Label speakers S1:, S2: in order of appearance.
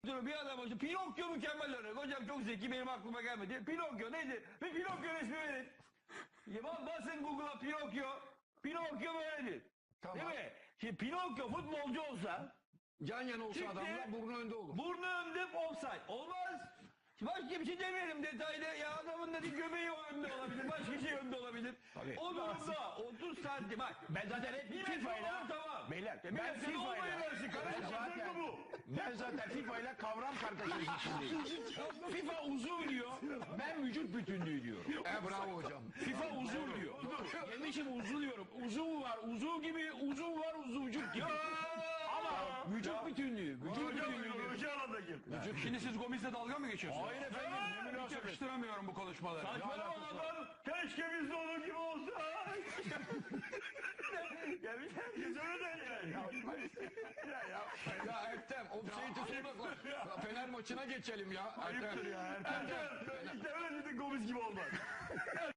S1: Bir adam hocam Pinokyo mükemmel örnek. Hocam çok zeki, benim aklıma gelmedi. Pinokyo neydi? Bir Pinokyo resmi verin. Basın Google'a Pinokyo. Pinokyo böyledir.
S2: Tamam.
S1: Değil mi? Şimdi Pinokyo futbolcu olsa
S2: Yan yana olsa
S1: Çıktı.
S2: adamla burnu önde olur.
S1: burnu önde offside. Olmaz. Başka bir şey demeyelim detaylı. Ya adamın dedi göbeği önde olabilir. Başka şey önde olabilir.
S3: Tabii.
S1: O durumda 30 santim. Bak
S3: Ben zaten hep
S1: bir
S3: FIFA'yla
S1: tamam.
S3: beyler
S1: Bir
S3: ben
S1: metre olmayı
S3: FIFA'yla
S1: versin.
S3: ben zaten FIFA'yla kavram kargaşası içindeyim. FIFA uzuv diyor. Ben vücut bütünlüğü diyorum.
S2: Bravo hocam.
S3: FIFA uzuv diyor. Demişim uzuv diyorum. Uzuv var uzuv gibi, uzuv var uzuvcuk gibi. Ama vücut bütünlüğü. Vücut bütünlüğü.
S1: Şimdi siz Gomis'le dalga mı geçiyorsunuz?
S3: Hayır efendim. Ne münasebet.
S1: Yakıştıramıyorum bu konuşmaları. Saçmalama adam. Keşke biz de onun gibi olsa. Ya bir herkes öyle der yani.
S2: Ya Ertem, offside'i sonra Fener maçına geçelim ya.
S1: Ayıptır ya. Ertem. İşte öyle dedin Gomis gibi olmaz.